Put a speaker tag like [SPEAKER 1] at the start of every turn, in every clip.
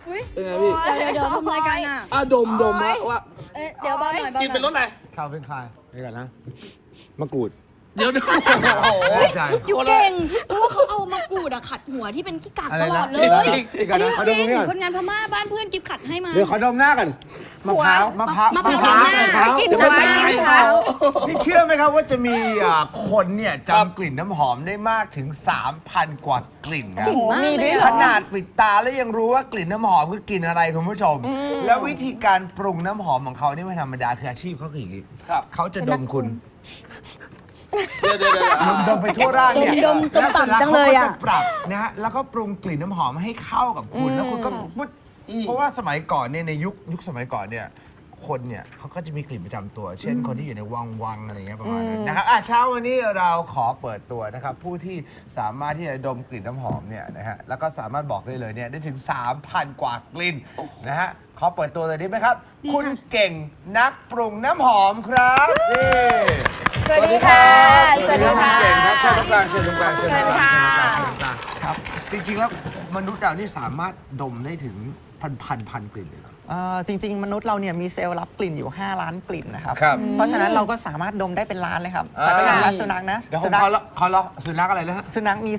[SPEAKER 1] เป็นไงพี่
[SPEAKER 2] เดี๋ยวทำรายการอ่ะ
[SPEAKER 1] ดมว่า
[SPEAKER 2] เดี๋ยวเบาหน่อย
[SPEAKER 1] กินเป็นรสอะไร
[SPEAKER 3] ข้าวเป็นคายไปกันนะมะกรูด
[SPEAKER 1] เดี๋ยว
[SPEAKER 3] แน่ใจ
[SPEAKER 2] อยู่เก่งเพราะว่าเขาเอามากรูดอะขัดหัวที่เป็นขี้กากตลอดเลย
[SPEAKER 3] จริงๆกันนะเขาดมตรงนี้ก่อน
[SPEAKER 2] คนงานพม่าบ้านเพื่อนกิฟขัดให้มา
[SPEAKER 3] เดี๋ยวเขาดมหน้ากันมะพร้าวมะพร้าว
[SPEAKER 2] มะพร้าว
[SPEAKER 3] กิน
[SPEAKER 1] เดี๋ยวไม่ตาย
[SPEAKER 3] นี่เชื่อไหมครับว่าจะมีคนเนี่ยจำกลิ่นน้ำหอมได้มากถึง 3,000 กว่ากลิ่นนะ
[SPEAKER 2] มีด้วย
[SPEAKER 3] ขนาดปิดตาแล้วยังรู้ว่ากลิ่นน้ำหอมคือกลิ่นอะไรคุณผู้ชม แล้ววิธีการปรุงน้ำหอมของเขานี่ไม่ธรรมดาคืออาชีพเขาคืออย่างนี้
[SPEAKER 1] ครับ
[SPEAKER 3] เขาจะดมคุณ
[SPEAKER 1] เดี๋ยว
[SPEAKER 3] ดมไปทั่วร่างเนี่ย
[SPEAKER 2] ดม
[SPEAKER 3] แล้วเสร็จแล้ว
[SPEAKER 2] จัง
[SPEAKER 3] เขา
[SPEAKER 2] เลย
[SPEAKER 3] ก็
[SPEAKER 2] อะ
[SPEAKER 3] จะปรับนะฮะแล้วก็ปรุงกลิ่นน้ำหอมให้เข้ากับคุณแล้วคุณก็มุดเพราะว่าสมัยก่อนเนี่ยในยุคสมัยก่อนเนี่ยคนเนี่ยเขาก็จะมีกลิ่นประจำตัว เช่นคนที่อยู่ในวังอะไรเงี้ยประมาณนั้นนะครับเช้าวันนี้เราขอเปิดตัวนะครับผู้ที่สามารถที่จะดมกลิ่นน้ำหอมเนี่ยนะฮะแล้วก็สามารถบอกได้เลยเนี่ยได้ถึง 3,000 กว่ากลิ่นนะฮะขอเปิดตัวเลยได้ไหมครับ คุณเก่งนักปรุงน้ำหอมครับนี่
[SPEAKER 2] สวัสดีค่ะ
[SPEAKER 3] สวัสดีครับคุณเก่งครับเชิญตรงกลางเชิญตรงกลางเชิญตรงกลางครับจริงๆแล้วมนุษย์เรานี่สามารถดมได้ถึงพันกลิ่นเลยเหรอ
[SPEAKER 4] จริง ๆ มนุษย์เราเนี่ยมีเซลล์รับกลิ่นอยู่ 5 ล้านกลิ่นนะครับ
[SPEAKER 3] ครับ
[SPEAKER 4] เพราะฉะนั้นเราก็สามารถดมได้เป็นล้านเลยครับ แต่ก็อย่างละสุนัขนะ
[SPEAKER 3] เดี๋ยวผ
[SPEAKER 4] สุ
[SPEAKER 3] ม
[SPEAKER 4] นัข
[SPEAKER 3] ขอละสุนัขอะไรนะฮะ
[SPEAKER 4] สุนัขมี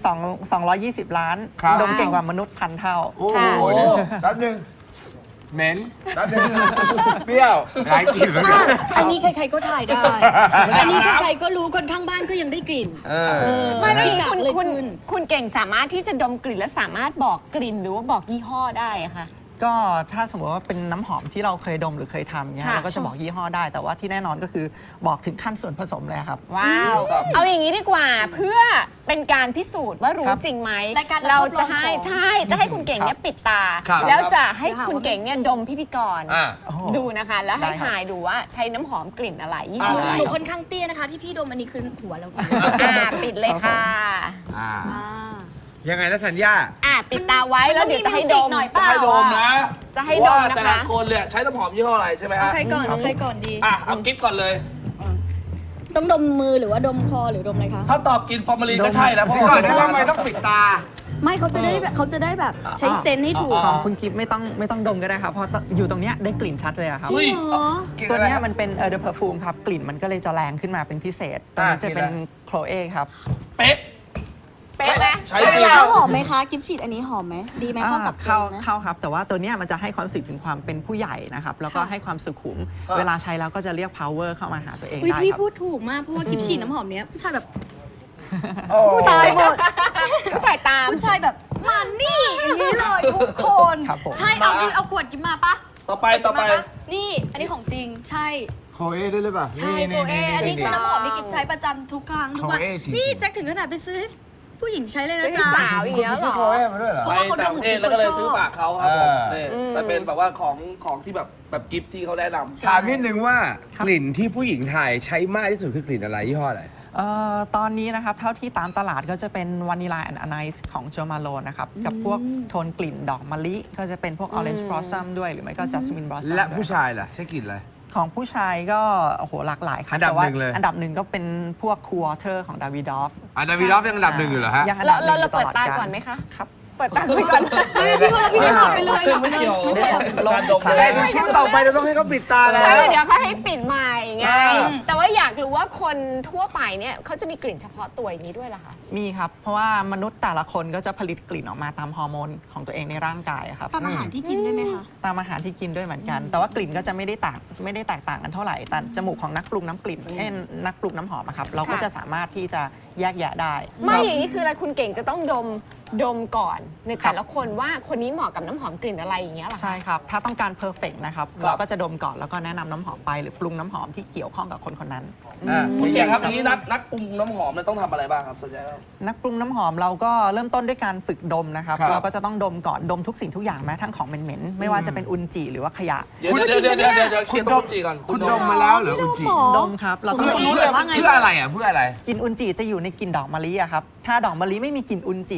[SPEAKER 4] 220 ล้าน
[SPEAKER 3] ครับ
[SPEAKER 4] ดมเก่งกว่ามนุษย์พันเท่า
[SPEAKER 3] โอ้โหแป๊บหนึงเหม็นแป๊บหนึงเปรี้ยวหลายกลิ่นเหมือนกัน
[SPEAKER 2] อันนี้ใครๆก็ถ่ายได้ อันนี้ใครๆก็รู้คนข้างบ้านก็ยังได้กลิ่น
[SPEAKER 5] ไม่แล้ว
[SPEAKER 2] ขี้
[SPEAKER 5] นี่
[SPEAKER 2] กากเลย
[SPEAKER 5] คุณเก่งสามารถที่จะดมกลิ่นและสามารถบอกกลิ่นหรือว่าบอกยี่ห้อได้อะค่ะ
[SPEAKER 4] ก็ถ้าสมมติว่าเป็นน้ำหอมที่เราเคยดมหรือเคยทำเนี่ย
[SPEAKER 5] ค่ะ
[SPEAKER 4] เราก็จะบอกยี่ห้อได้ แต่ว่าที่แน่นอนก็คือบอกถึงขั้นส่วนผสมเลยครับ
[SPEAKER 5] ว้าว เอาอย่างนี้ดีกว่าเพื่อเป็นการพิสูจน์ว่ารู้
[SPEAKER 4] ครับ
[SPEAKER 5] จริงไหม
[SPEAKER 2] รายการ
[SPEAKER 5] เรา
[SPEAKER 2] เราชอบ
[SPEAKER 5] จะให้
[SPEAKER 2] ลองของ
[SPEAKER 5] ใช่จะให้คุณเก่งเนี่ยปิดตา
[SPEAKER 3] ครับ
[SPEAKER 5] แล้วจะให้คุณเก่งเนี่ยดมพิธีกร
[SPEAKER 3] อ่า
[SPEAKER 5] ดูนะคะ แล้วให้
[SPEAKER 4] ได้ครับ
[SPEAKER 5] ถ่ายดูว่าใช้น้ำหอมกลิ่นอะไรยี่
[SPEAKER 2] ห
[SPEAKER 5] ห้อ
[SPEAKER 2] นู
[SPEAKER 5] อะไร
[SPEAKER 2] หนูค่อนข้างเตี้ยนะคะ ที่พี่ดมอันนี้คือหัวเรา
[SPEAKER 5] ปิดเลยค่ะ
[SPEAKER 3] อ่ายังไงนะธัญญา
[SPEAKER 5] ปิดตาไว้แล้วเดี๋ยวจะให้ดม
[SPEAKER 2] หน่อยเปล่า
[SPEAKER 1] ให้ดมนะ
[SPEAKER 5] จะให้ดม
[SPEAKER 1] ว่า
[SPEAKER 5] นะคะ
[SPEAKER 1] แต่ละคนเนี่ยใช้น้ำหอมยี่ห้ออะไรใช่ไหมฮะ
[SPEAKER 2] ใครก่อนใครก่อนดี
[SPEAKER 1] เอากิฟก่อนเลย
[SPEAKER 2] ต้องดมมือหรือว่าดมคอหรือดมอะไรคะ
[SPEAKER 1] ถ้าตอบกินฟอร์มาลีนก็ใช่นะเพราะ
[SPEAKER 3] พี่ก่อนนะว่าทำไมต้องปิดตา
[SPEAKER 2] ไม่เขาจะได้แบบใช้เซนส์ให้ถูก
[SPEAKER 4] ของคุณกิฟต์ไม่ต้องดมก็ได้ครับเพราะอยู่ตรงเนี้ยได้กลิ่นชัดเลยอะครับ
[SPEAKER 1] อุ้ย
[SPEAKER 2] เหรอ
[SPEAKER 4] ตัวเนี้ยมันเป็นเดอะเพอร์ฟูมครับกลิ่นมันก็เลยจะแรงขึ้นมาเป็นพิเศษตัวนี้จะเป็นโคลเอครับ
[SPEAKER 1] เป๊ะ
[SPEAKER 5] เป๊ะไหม
[SPEAKER 1] ใช้จริง
[SPEAKER 2] แล้วหอมไหมคะ กิฟต์ฉีดอันนี้หอมไหม ดีไหมเข้ากับ
[SPEAKER 4] เข้า
[SPEAKER 2] ตัวไหม
[SPEAKER 4] เข้าครับ แต่ว่าตัวเนี้ยมันจะให้ความรู้สึกถึงความเป็นผู้ใหญ่นะครับ แล้วก็ให้ความสุขุม เวลาใช้แล้วก็จะเรียก power เข้ามาหาตัวเอง
[SPEAKER 2] อุ้ย
[SPEAKER 4] ได้
[SPEAKER 2] พี่
[SPEAKER 4] ครับ
[SPEAKER 2] พูดถูกมาก เพราะว่ากิฟต์ฉีดน้ำหอมเนี้ยผู้ชายแบบ
[SPEAKER 3] โอ้
[SPEAKER 2] ผู้ชายหมด
[SPEAKER 5] ผู้ชายตาม
[SPEAKER 2] ผู้ชายแบบมานี่อย่างนี้เลยทุกคน
[SPEAKER 4] ครับผม
[SPEAKER 2] ใช่เอาขวดกิฟต์มาปะ
[SPEAKER 1] ต่อไป
[SPEAKER 2] มาปะนี่อันนี้ของจริงใช่
[SPEAKER 3] โคเอด้วยหรือเปล่า
[SPEAKER 2] ใช่โคเออันนี้คือน้ำหอมที่กิฟต์ใช้ประจำทุกครั้งทุกวัน
[SPEAKER 3] โคเอจริงๆ
[SPEAKER 2] นี่แจ็คถึงขนาดไปซื้อให้ผู้หญิงใช้เลยนะ
[SPEAKER 5] เป็น
[SPEAKER 2] จ๊ะ
[SPEAKER 5] สาวอย่าง
[SPEAKER 3] คุณ
[SPEAKER 5] เงี้ย
[SPEAKER 3] ไป
[SPEAKER 5] เหร
[SPEAKER 3] ซื้อ
[SPEAKER 5] อ
[SPEAKER 3] โคเอมาด้วยเหรอ
[SPEAKER 2] เพ
[SPEAKER 1] ไป
[SPEAKER 2] ราะว่าเขา
[SPEAKER 1] ต่างประเทศแล้วก็เลยซื้อฝากเขาครับผมนี่แต่เป็นแบบว่าของที่แบบกิฟที่เขาแนะนำ
[SPEAKER 3] ถามนิดนึงว่ากลิ่นที่ผู้หญิงไทยใช้มากที่สุดคือกลิ่นอะไรยี่ห้ออะไร
[SPEAKER 4] ตอนนี้นะครับ เท่าที่ตามตลาดก็จะเป็นวานิลาแอนด์อ n น c e ของโจมาโลนะครับ กับพวกโทนกลิ่นดอกมะลิ ก็จะเป็นพวก Orange Blossom ด้วยหรือไม่ก็ Jasmine Blossom
[SPEAKER 3] และ
[SPEAKER 4] ด้วย
[SPEAKER 3] ผู้ชายล่ะใช้กลิ่นอะไร
[SPEAKER 4] ของผู้ชายก็โอ้โหหลากหลายครับ
[SPEAKER 3] อันดับ
[SPEAKER 4] แต่ว่า
[SPEAKER 3] หนึ่งเลย
[SPEAKER 4] อันดับหนึ่งก็เป็นพวก Quarter ของดาวิดอฟ
[SPEAKER 3] ดาวิดอฟยังอันดับหนึ่งอยู่เหรอฮะ
[SPEAKER 4] ยังอันดับหนึ่ง
[SPEAKER 5] เรา
[SPEAKER 4] อยู่
[SPEAKER 5] เปิด
[SPEAKER 4] ลอ
[SPEAKER 5] ตา
[SPEAKER 4] ร
[SPEAKER 5] ก่อนไหมคะ
[SPEAKER 4] ครับ
[SPEAKER 5] เปิดตาคุยก่อน
[SPEAKER 2] พี่ว่าแล้วพี่ไม่หอมไปเลย
[SPEAKER 1] ซึ่งไม่เกี่ยวกับการดม
[SPEAKER 3] แต่ในช่วงต่อไปเราต้องให้เขาปิดตาแล้ว
[SPEAKER 5] ใช่เดี๋ยวเขาให้ปิดใหม่ไง แต่ว่าอยากรู้ว่าคนทั่วไปเนี่ยเขาจะมีกลิ่นเฉพาะตัวอย่างนี้ด้วยเหรอคะ
[SPEAKER 4] มีครับ เพราะว่ามนุษย์แต่ละคนก็จะผลิตกลิ่นออกมาตามฮอร์โมนของตัวเองในร่างกายอะครับ
[SPEAKER 2] ตามอาหารที่กินได้ไหมคะ
[SPEAKER 4] ตามอาหารที่กินด้วยเหมือนกัน แต่ว่ากลิ่นก็จะไม่ได้แตกต่างกันเท่าไหร่ แต่จมูกของนักปรุงน้ำกลิ่นนักปรุงน้ำหอมอะครับ เราก็จะสามารถที่จะแยกแยะได้
[SPEAKER 5] ไม่อย่างนี้คืออะไรคุณเก่งจะต้องดมก่อนในแต่ละคนว่าคนนี้เหมาะกับน้ำหอมกลิ่นอะไรอย่างเงี้ยเหรอคะ
[SPEAKER 4] ใช่ครับ ถ้าต้องการเพอร์เฟกนะครับ เราก็จะดมก่อนแล้วก็แนะนำน้ำหอมไปหรือปรุงน้ำหอมที่เกี่ยวข้องกับคนคนนั้น
[SPEAKER 1] คุณเก่งครับอย่างนี้นักปรุงน้ำหอมเนี่ยต้องทำอะไรบ้างครับส่วนใหญ่แล้ว
[SPEAKER 4] นักปรุงน้ำหอมเราก็เริ่มต้นด้วยการฝึกดมนะครับ
[SPEAKER 3] ครับ
[SPEAKER 4] เราก็จะต้องดมก่อนดมทุกสิ่งทุกอย่างแม้ทั้งของเหม็นๆไม่ว่าจะเป็นอุนจิหรือว่าขยะ
[SPEAKER 1] เดี๋ยวเคลียร์ต้มจีก่อน
[SPEAKER 3] คุณดมมาแล้วเหรืออุนจิ
[SPEAKER 4] ดมครับแล้วก็
[SPEAKER 2] คุณรู้เลยว่าไง
[SPEAKER 3] เพื่ออะไรอ่ะเพื่ออะไร
[SPEAKER 4] กลิ่นอุนจิจะอยู่ในกลิ่นดอกมะลิอะครับถ้าดอกมะลิไม่มีกลิ่นอุนจิก็จะไม่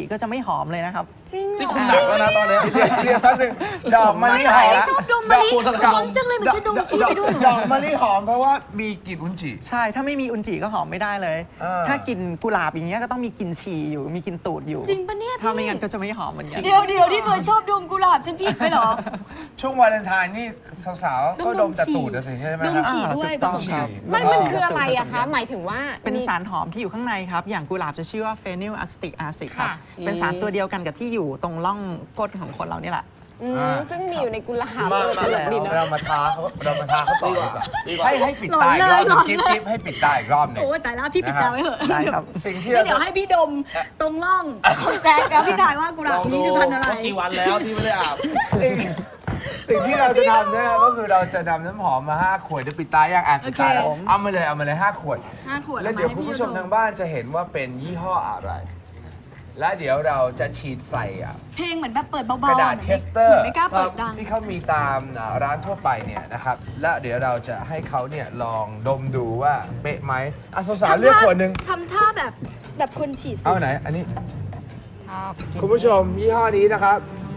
[SPEAKER 4] หอมเลยนะครับ
[SPEAKER 5] จริงเหร
[SPEAKER 1] นี่
[SPEAKER 5] อ
[SPEAKER 1] คุณหนักแล้วนะตอนนี้
[SPEAKER 3] เรียกแป๊บนึงดอกมะลิหอม
[SPEAKER 2] ชอบดมมะลิหอมจังเลยเหมือนจะดมขี้ไปด้วย
[SPEAKER 3] ดอกมะลิหอมเพราะว่ามีกลิ่นอุนจิ
[SPEAKER 4] ใช่ ถ้าไม่มีอุนจิก็หอมไม่ได้เลย ถ้ากลิ่นกุหลาบอย่างเงี้ยก็ต้องมีกลิ่นฉี่อยู่ มีกลิ่นตูดอยู่
[SPEAKER 2] จริงปะเนี่ย
[SPEAKER 4] ถ้าไม่งั้นก็จะไม่หอมเหมือนกัน
[SPEAKER 2] เดี๋ยวที่เคยชอบดมกุหลาบฉันผิดไปเหรอ
[SPEAKER 3] ช่วงวาเลนไทน์นี่สาวๆ ก็ดมแต่ตูดนะสิใช่ไหม
[SPEAKER 2] ดม
[SPEAKER 3] ครับ
[SPEAKER 2] ฉี่ด้วย
[SPEAKER 4] ถู
[SPEAKER 2] ผ
[SPEAKER 4] กต้อง
[SPEAKER 2] สม
[SPEAKER 4] ครั
[SPEAKER 2] กับ น
[SPEAKER 5] มันคืออะไรอะคะ หมายถึงว่า
[SPEAKER 4] เป็น
[SPEAKER 5] มี
[SPEAKER 4] สารหอมที่อยู่ข้างในครับ อย่างกุหลาบจะชื่อว่าเฟนิลอะซิติกแอซิดครับ
[SPEAKER 5] ค่ะ
[SPEAKER 4] เป็นสารตัวเดียวกันกับที่อยู่ตรงร่องก้นของคนเรานี่แหละ
[SPEAKER 5] ซึ่งมีอยู่ในกุหลาบ
[SPEAKER 3] มา
[SPEAKER 5] ดีเนอะ
[SPEAKER 3] เรามาท้าเขาต่อดีกว่า
[SPEAKER 1] ดีกว่า
[SPEAKER 3] ให้ปิดตาอีกรอบหนึงกิ๊บให้ปิดตาอีกรอบหนึง
[SPEAKER 2] โอ้ยแต่ละพี่ปิดตาไว้เถอะ
[SPEAKER 4] ได้ครับ
[SPEAKER 3] สิ่งที่
[SPEAKER 2] แล้
[SPEAKER 3] เรา
[SPEAKER 2] วเดี๋ยวให้พี่ดมตรงร่องของแจ็คแล้วพี่ทายว่ากุห
[SPEAKER 1] ล
[SPEAKER 2] ลาบ
[SPEAKER 1] อง
[SPEAKER 2] นี้
[SPEAKER 1] ดู
[SPEAKER 2] คือพันธุ์อะไร
[SPEAKER 1] ว่ากี่วันแล้วที่ไม่ได้อาบ
[SPEAKER 3] สิ่งที่เราจะทำเนี่ยก็คือเราจะนำน้ำหอมมา5 ขวดเดี๋ยวปิดตาย่างอ่ะปิดตาแล้ว
[SPEAKER 2] โอเค
[SPEAKER 3] เอามาเลย5 ขวด
[SPEAKER 2] 5 ขวด
[SPEAKER 3] แล้วเดี๋ยวคุณผู้ชมทางบ้านจะเห็นว่าเป็นยี่ห้ออะไร และเดี๋ยวเราจะฉีดใส่อ่ะ
[SPEAKER 2] เพลงเหมือนแบบเปิดเบาๆ
[SPEAKER 3] กระดาษ
[SPEAKER 2] หมืน
[SPEAKER 3] เทสเตอร์
[SPEAKER 2] ไม่กล้าเปิดดัง
[SPEAKER 3] ที่เขามีตามร้านทั่วไปเนี่ยนะครับ และเดี๋ยวเราจะให้เขาเนี่ยลองดมดูว่าเป๊ะไหมอ่ะสาวๆเลือกขวดหนึ่ง
[SPEAKER 2] ทำท่าแบบคนฉีดสิ
[SPEAKER 3] เอาไหน อันนี้ คุณผู้ชมยี่ห้อนี้นะครับ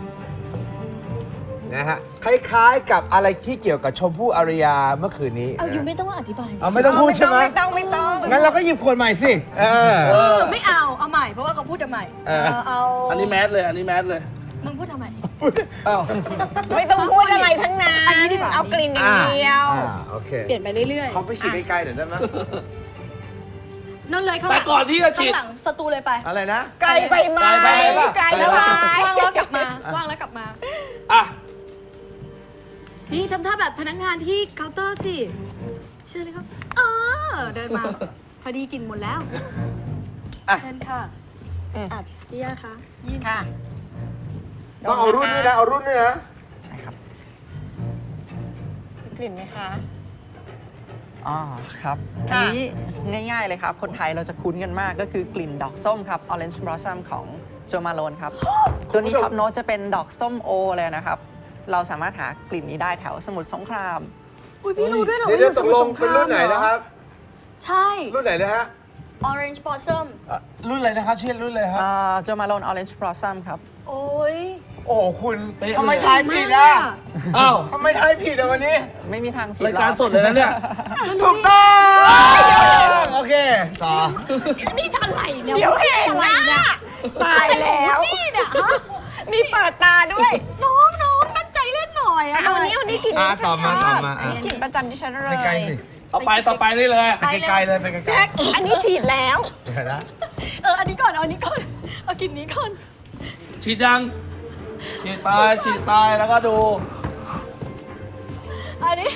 [SPEAKER 3] นะฮะคล้ายๆกับอะไรที่เกี่ยวกับชมพู่อารยาเมื่อคืนนี้
[SPEAKER 2] เอาอยู่ไม่ต้องอธิบาย
[SPEAKER 3] เอาไม่ต้องพูดใช่ไหม
[SPEAKER 5] ไม่ต้อง
[SPEAKER 3] งั้นเราก็หยิบขวดใหม่สิ
[SPEAKER 2] ไม่เอาใหม่เพราะว่าเขาพูดทำไมเอา
[SPEAKER 1] อันนี้แมสเลย อันนี้แมสเลย
[SPEAKER 2] มึงพูดทำไม
[SPEAKER 1] อ้าว
[SPEAKER 5] ไม่ต้องพูดอะไรทั้งนั้น
[SPEAKER 2] อันนี้ดีกว่า
[SPEAKER 5] เอากลิ่นอย่างเดียว
[SPEAKER 3] โอเค
[SPEAKER 2] เปลี่ยนไปเรื่อย
[SPEAKER 3] เขาไปฉีดไกลๆเดี๋ยวได้ไหม
[SPEAKER 2] ๆนั่นเลยข้างห
[SPEAKER 1] แต่
[SPEAKER 2] ลัง
[SPEAKER 1] ก่อนที่จะฉีด
[SPEAKER 2] ข้างหลังสตูเลยไป
[SPEAKER 3] อะไรนะ
[SPEAKER 5] ไกลไปไหม
[SPEAKER 1] ไกลไปปะ
[SPEAKER 5] ไกลไป
[SPEAKER 2] ว่างแล้วกลับมาว่างแล้วกลับมา
[SPEAKER 1] อ่ะ
[SPEAKER 2] นี่ทำท่าแบบพนักงานที่เคาน์เตอร์สิเชื่อเลยครับเดินมา พอดีกินหมดแล้ว
[SPEAKER 3] อ่ะ
[SPEAKER 2] เชิญค่ะพี่ย่าคะยื่น
[SPEAKER 5] ค่ะ
[SPEAKER 3] ต้องเอารุ่นด้วยนะ เอารุ่นด้วยนะ
[SPEAKER 5] กลิ่นไหมคะ
[SPEAKER 4] อ๋อครับ อัน
[SPEAKER 5] ค่ะ
[SPEAKER 4] นี้ง่ายๆเลยครับ คนไทยเราจะคุ้นกันมากก็คือกลิ่นดอกส้มครับ Orange Blossom ของโจมาโลนครับ ตัวนี้
[SPEAKER 3] คุณผู้ชม
[SPEAKER 4] ท็อปโน้ตจะเป็นดอกส้มโอเลยนะครับ เราสามารถหากลิ่นนี้ได้แถวสมุทรสงคราม
[SPEAKER 2] อุ้ยพี่รู้ด้วยเหรอ
[SPEAKER 3] เดี๋ยว
[SPEAKER 2] ว่า
[SPEAKER 3] ตกลงเป็นรุ่นไหนนะครับ
[SPEAKER 2] ใช่
[SPEAKER 3] รุ่นไหนนะฮะ
[SPEAKER 2] Orange Blossom
[SPEAKER 3] รุ่นอะไรนะครับชื่อรุ่นอะไรครับ
[SPEAKER 4] โจมาโลน Orange Blossom ครับ
[SPEAKER 2] โอ้ย
[SPEAKER 3] โอ้โหคุณ
[SPEAKER 1] เป๊ะเลย
[SPEAKER 3] ทำไมทายผิดอ่ะ
[SPEAKER 1] อ้าว
[SPEAKER 3] ทำไมทายผิดอ่ะวันนี้
[SPEAKER 4] ไม่มีทางผิด
[SPEAKER 1] รายการ
[SPEAKER 4] หอ
[SPEAKER 1] สดเลยนะเนี่ย
[SPEAKER 3] ถูกต้องโอเค ต่อ
[SPEAKER 2] นี่จะอะไรเนี่ย
[SPEAKER 5] เดี๋ยวเห็น
[SPEAKER 2] อะไร
[SPEAKER 5] นะ
[SPEAKER 2] เนี่ย
[SPEAKER 5] ตายแล้ว
[SPEAKER 2] นี่เนี่ยฮะ
[SPEAKER 5] มีเปิดตาด้วย
[SPEAKER 2] น้องตั้งใจเล่นหน่อยอะ
[SPEAKER 5] เอาอันนี้กลิ่นที่ฉัน
[SPEAKER 3] ต่อ
[SPEAKER 5] ช
[SPEAKER 3] มา
[SPEAKER 5] อบ
[SPEAKER 3] ต่อมา
[SPEAKER 5] อันนี้กลิ่นประจำที่ฉันเลย
[SPEAKER 3] ไปไกลสิ
[SPEAKER 1] เอาไปต่อไปนี่เลย
[SPEAKER 3] ไปไกลๆเลยไปไกล
[SPEAKER 2] แจ็ค
[SPEAKER 5] อันนี้ฉีดแล้ว
[SPEAKER 3] ๆเดี๋ยวนะ
[SPEAKER 2] อันนี้ก่อนเอาอันนี้ก่อนเอากลินนี้ก่อน
[SPEAKER 1] ฉีดยัง ฉีดไป ฉีดไป แล้วก็ดู
[SPEAKER 2] อันนี้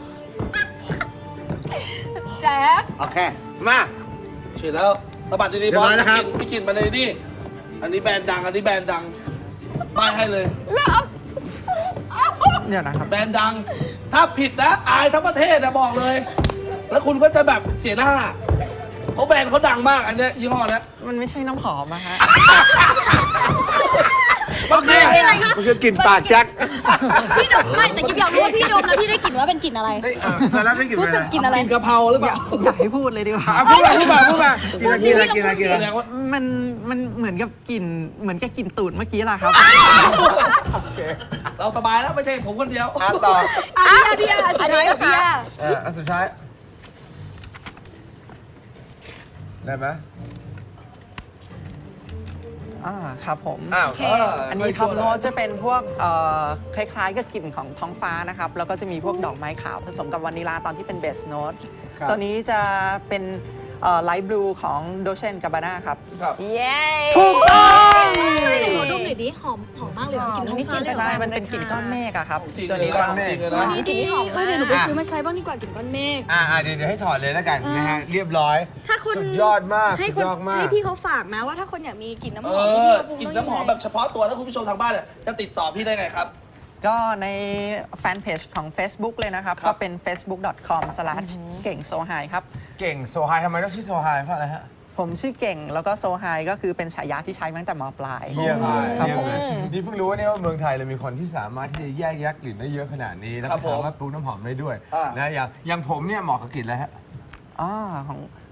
[SPEAKER 2] แจ็ค
[SPEAKER 3] โอเค มา
[SPEAKER 1] ฉีดแล้วสะบัดดีๆ
[SPEAKER 3] เรียบร้อยนะครับ
[SPEAKER 1] พี่กินมาเลยนี่ อันนี้แบรนด์ดัง อันนี้แบรนด์ดังป้ายให้เลย
[SPEAKER 4] เดี๋ยวนะครับ
[SPEAKER 1] แบรนด์ดัง ถ้าผิดนะ อายทั้งประเทศนะบอกเลย แล้วคุณก็จะแบบเสียหน้า เพราะแบรนด์เขาดังมาก อันเนี้ยยี่ห้อเนี้ย
[SPEAKER 4] มันไม่ใช่น้ำหอมอะฮะ
[SPEAKER 1] โอเค
[SPEAKER 3] มันคือกลิ่นปากแจ็ค
[SPEAKER 2] พี่ดมไม่แต่กิ๊บอยากรู้ว่าพี่ดมแล้วพี่ได้กลิ่นว่าเป็นกลิ่นอะไร
[SPEAKER 3] เฮ้ยแล้วไม่กลิ่น
[SPEAKER 2] รู้สึกกลิ่นอะไร
[SPEAKER 1] กินกะเพราหรือเปล่า
[SPEAKER 4] อยากให้พูดเลยดีกว่า
[SPEAKER 3] พูดมากินอะไร
[SPEAKER 1] แสดงว่า
[SPEAKER 4] มันเหมือนกับกลิ่นเหมือนกับกลิ่นตูดเมื่อกี้แหละครับ
[SPEAKER 1] เราสบายแล้วไม่ใช่ผมคนเดียว
[SPEAKER 3] ต่อ
[SPEAKER 2] พี่ยาสุดท้ายกับพี่ยา
[SPEAKER 3] อันสุดท้าย ได้ไหม
[SPEAKER 4] ครับผม
[SPEAKER 3] อ้าว
[SPEAKER 4] อันนี้ท็อปโน้ตจะเป็นพวกคล้ายๆกับกลิ่นของท้องฟ้านะครับ แล้วก็จะมีพวกดอกไม้ขาวผสมกับวานิลาตอนที่เป็นเบสโน้ต
[SPEAKER 3] ครับ
[SPEAKER 4] ตัวนี้จะเป็นไลท์บลูของโดเชนกาบาน่าครับ
[SPEAKER 1] ครับ
[SPEAKER 5] เย้
[SPEAKER 4] ถูกต้อง
[SPEAKER 2] ช่วยหน่อยขอดมหน่อยดิหอมมากเลยกลิ่นท้องฟ้าเลย
[SPEAKER 4] ใช่ มันเป็นกลิ่นก้อนเมฆอะครับ
[SPEAKER 1] จริง
[SPEAKER 4] ตัว
[SPEAKER 1] เลย
[SPEAKER 4] นี้
[SPEAKER 1] นะ
[SPEAKER 4] จะ
[SPEAKER 1] จริงเลยนะ
[SPEAKER 2] กลิ่นนี้หอมเดี๋ยวหนูไปซื้อมาใช้บ้างดีกว่ากลิ่นก้อนเมฆ
[SPEAKER 3] เดี๋ยวให้ถอดเลยแล้วกันนะฮะ เรียบร้อย
[SPEAKER 2] ถ้าคุณ
[SPEAKER 3] สุดยอดมาก
[SPEAKER 2] ให้
[SPEAKER 3] สุด
[SPEAKER 2] คน
[SPEAKER 3] ยอดมาก
[SPEAKER 2] ให้พี่เขาฝากนะว่าถ้าคนอยากมีกลิ่นน้ำห
[SPEAKER 1] เอ
[SPEAKER 2] อมที่
[SPEAKER 1] อ
[SPEAKER 2] พี่เขาปรุง
[SPEAKER 1] กลินน้ำหอมแบบเฉพาะตัวแล้วคุณผู้ชมทางบ้านเนี่ยจะติดต่อพี่ได้ไงครับ
[SPEAKER 4] ก็ในแฟนเพจของ Facebook เลยนะครับ
[SPEAKER 1] ครับ
[SPEAKER 4] ก็เป็น facebook.com/เก่งโซไฮครับ
[SPEAKER 3] เก่งโซไฮทำไมต้องชื่อโซไฮเพราะอะไรฮะ
[SPEAKER 4] ผมชื่อเก่งแล้วก็โซไฮก็คือเป็นฉายาที่ใช้มาตั้งแต่มปลาย
[SPEAKER 3] เยี่ยมเลย
[SPEAKER 4] ครับ
[SPEAKER 3] เยี่ย
[SPEAKER 4] ผม ม
[SPEAKER 3] เลยนี่เพิ่งรู้ว่าเนี่ยว่าเมืองไทยเรามีคนที่สามารถที่จะแยกแยะกลิ่นได้เยอะขนาดนี้ แล้ว
[SPEAKER 1] ครั
[SPEAKER 3] ก็
[SPEAKER 1] บผม
[SPEAKER 3] สามารถปรุงน้ำหอมได้ด้วย
[SPEAKER 1] อ่าน
[SPEAKER 3] นะอย่างผมเนี่ยเหมาะกับกลิ่นอะไรฮะ
[SPEAKER 4] ของ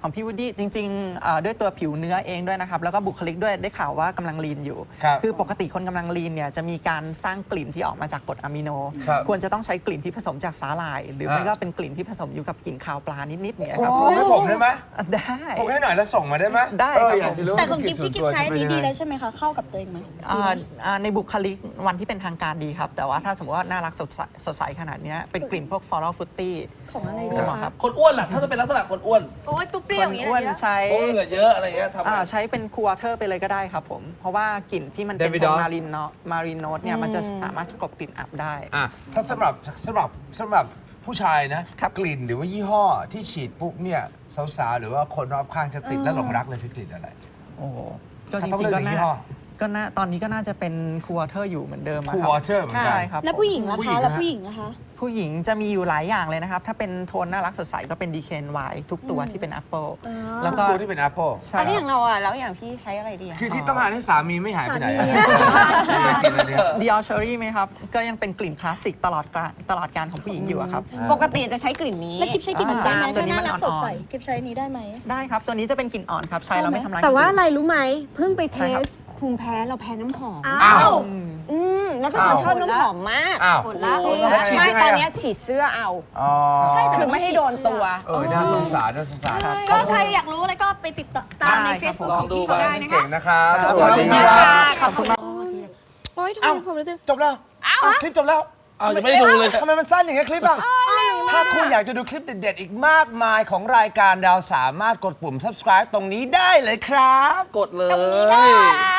[SPEAKER 4] ของพี่วูดดี้จริงๆด้วยตัวผิวเนื้อเองด้วยนะครับแล้วก็บุคลิกด้วยได้ข่าวว่ากำลังลีนอยู่
[SPEAKER 3] ครับ
[SPEAKER 4] คือปกติคนกำลังลีนเนี่ยจะมีการสร้างกลิ่นที่ออกมาจากกรดอะมิโน
[SPEAKER 3] ครับ
[SPEAKER 4] ควรจะต้องใช้กลิ่นที่ผสมจากสาหร่าย หรือไม่ก็เป็นกลิ่นที่ผสมอยู่กับกลิ่นคาวปลานิดๆเนี่ยครับ
[SPEAKER 3] ปรุงให้ผมได้ไหม
[SPEAKER 4] ได้
[SPEAKER 3] ปรุงให้หน่อยแล้วส่งมาได้ไหม
[SPEAKER 4] ได้
[SPEAKER 3] เออ
[SPEAKER 4] ครับ
[SPEAKER 3] อยากจะรู้
[SPEAKER 2] แต่ของกิฟ
[SPEAKER 3] ส่ว
[SPEAKER 2] ที่
[SPEAKER 3] น
[SPEAKER 2] กิฟ
[SPEAKER 3] ตัว
[SPEAKER 2] ใช้อันนี้
[SPEAKER 3] จะเป็
[SPEAKER 2] ดี
[SPEAKER 3] ยังไง
[SPEAKER 2] แล้วใช่ไหมคะ เข้ากับตัวเองไหม
[SPEAKER 4] ในบุคลิกวันที่เป็นทางการดีครับ แต่ว่าถ้าสมมติว่าน่ารักสดใสขนาดเนี้ยเป็นกลิ่นพวก floral fruity
[SPEAKER 2] ของอะไร
[SPEAKER 4] จะ
[SPEAKER 2] จะ
[SPEAKER 4] เหมาะครับ
[SPEAKER 1] คนอ้วนล่ะ ถ้าจะเป็นลักษณะคนอ้วน
[SPEAKER 2] โอ้ยเปรี้
[SPEAKER 4] ค
[SPEAKER 2] ยวน อย่างเงี้ย
[SPEAKER 4] อ้วน
[SPEAKER 2] นะ
[SPEAKER 4] ใช้
[SPEAKER 1] โอ้เหงื่อเยอะอะไรเงี้ยทำไง
[SPEAKER 4] ใช้เป็นคูวอเตอร์ไปเลยก็ได้ครับผม เพราะว่ากลิ่นที่มันเป็น
[SPEAKER 3] David
[SPEAKER 4] ตัว
[SPEAKER 3] Doff
[SPEAKER 4] มารีนโนตเนี่ยมันจะสามารถกลบกลิ่นอับได้
[SPEAKER 3] อ่ะถ้าสำหรับผู้ชายนะครับ กลิ่นหรือว่ายี่ห้อที่ฉีดปุ๊บเนี่ยสาวๆหรือว่าคนรอบข้างจะติดและหลงรักเลยคือกลิ่นอะไร
[SPEAKER 4] โอ้โหก็จ
[SPEAKER 3] ถ้าต้อง
[SPEAKER 4] ริง
[SPEAKER 3] เลื
[SPEAKER 4] ๆ
[SPEAKER 3] อก
[SPEAKER 4] ก็
[SPEAKER 3] หนึ่งยี่
[SPEAKER 4] น่า
[SPEAKER 3] ห้อ
[SPEAKER 4] ก็น่าตอนนี้ก็น่าจะเป็นคูวอเตอร์อยู่เหมือนเดิมอะครับ
[SPEAKER 3] Cool Water เหมือนกัน
[SPEAKER 4] ใช่ครับ
[SPEAKER 2] แล้วผู้หญิงล่ะ
[SPEAKER 3] ผู้หญิ
[SPEAKER 2] คะ
[SPEAKER 3] ง
[SPEAKER 2] แล้ว
[SPEAKER 3] นะ
[SPEAKER 2] ผู้หญิงนะคะ
[SPEAKER 4] ผู้หญิงจะมีอยู่หลายอย่างเลยนะครับ ถ้าเป็นโทนน่ารักสดใสก็เป็น DKNY ทุกตัวที่เป็น Apple แล้วก็
[SPEAKER 3] ตัวที่เป็น Apple
[SPEAKER 4] ใช่
[SPEAKER 5] อันนี้อ
[SPEAKER 4] ค
[SPEAKER 5] ย่า
[SPEAKER 4] รับ
[SPEAKER 5] งเราอ่ะแล้วอย่างพี่ใช้อะไรดีอะ
[SPEAKER 3] คือที่ต้องการให้สามีไม่หายไปไหนอะ
[SPEAKER 2] สามี
[SPEAKER 3] กลิ่นอะไรเนี่ย
[SPEAKER 4] Dior Cherry ไหมครับ ก็ยังเป็นกลิ่นคลาสสิกตลอดการของผู้หญิงอยู่อะครับ
[SPEAKER 5] ปกติจะใช้กลิ่นนี้
[SPEAKER 2] แล้วกิฟใช้กลิ่นได้ไหม
[SPEAKER 4] ตัว
[SPEAKER 2] ถ้า
[SPEAKER 4] นี้
[SPEAKER 2] น่า
[SPEAKER 4] มัน
[SPEAKER 2] รักสดใส
[SPEAKER 4] อ่อนๆ
[SPEAKER 2] กิฟใช้อันนี้ได้ไหม
[SPEAKER 4] ได้ครับ ตัวนี้จะเป็นกลิ่นอ่อนครับ ใช้แล้วไม่ทำร้าย
[SPEAKER 5] แต่ว่า
[SPEAKER 4] คน
[SPEAKER 5] อะ
[SPEAKER 4] อื่น
[SPEAKER 5] ไรรู้ไหมเพิ่งไปเท
[SPEAKER 4] ใช่ครับ
[SPEAKER 5] สภูมิแพ้เราแพ้น้ำหอม
[SPEAKER 2] อ้าว
[SPEAKER 5] แล้วเป็นคนชอบน้ำหอมมาก
[SPEAKER 3] อ้าว
[SPEAKER 2] หมดละ
[SPEAKER 5] จริง
[SPEAKER 3] แล้วฉีด
[SPEAKER 5] ใช่
[SPEAKER 3] ยังไงอะ
[SPEAKER 5] ตอนเนี้ยฉีดเสื้อเอา
[SPEAKER 3] อ๋อ
[SPEAKER 5] คือไม่ให้โดนตัว
[SPEAKER 3] น่าสงสารน่าสงสาร
[SPEAKER 2] ก็ใครอยากรู้อะไรก็ไปติดตามใน
[SPEAKER 4] ได้ครับ
[SPEAKER 2] Facebook
[SPEAKER 1] ลอง
[SPEAKER 2] ของ
[SPEAKER 1] ดู
[SPEAKER 2] พี่
[SPEAKER 1] ไป
[SPEAKER 2] เขาได้นะ
[SPEAKER 3] เก่
[SPEAKER 2] คะ
[SPEAKER 3] งนะครับ
[SPEAKER 4] ครับ
[SPEAKER 3] สวัสดีค
[SPEAKER 5] ข
[SPEAKER 3] รั
[SPEAKER 5] อบ
[SPEAKER 3] บ
[SPEAKER 5] ขอบคุณมาก
[SPEAKER 2] โอ้ยทำไมผมรู้สึก
[SPEAKER 3] จบแล้วคลิปจบแล้ว
[SPEAKER 1] อ้าวยังไม่ได้ดูเลย
[SPEAKER 3] ทำไมมันสั้นอย่างเงี้ยคลิปอ่ะ ถ้าคุณอยากจะดูคลิปเด็ดๆ อีกมากมายของรายการเราสามารถกดปุ่ม subscribe ตรงนี้ได้เลยครับ
[SPEAKER 1] กดเลย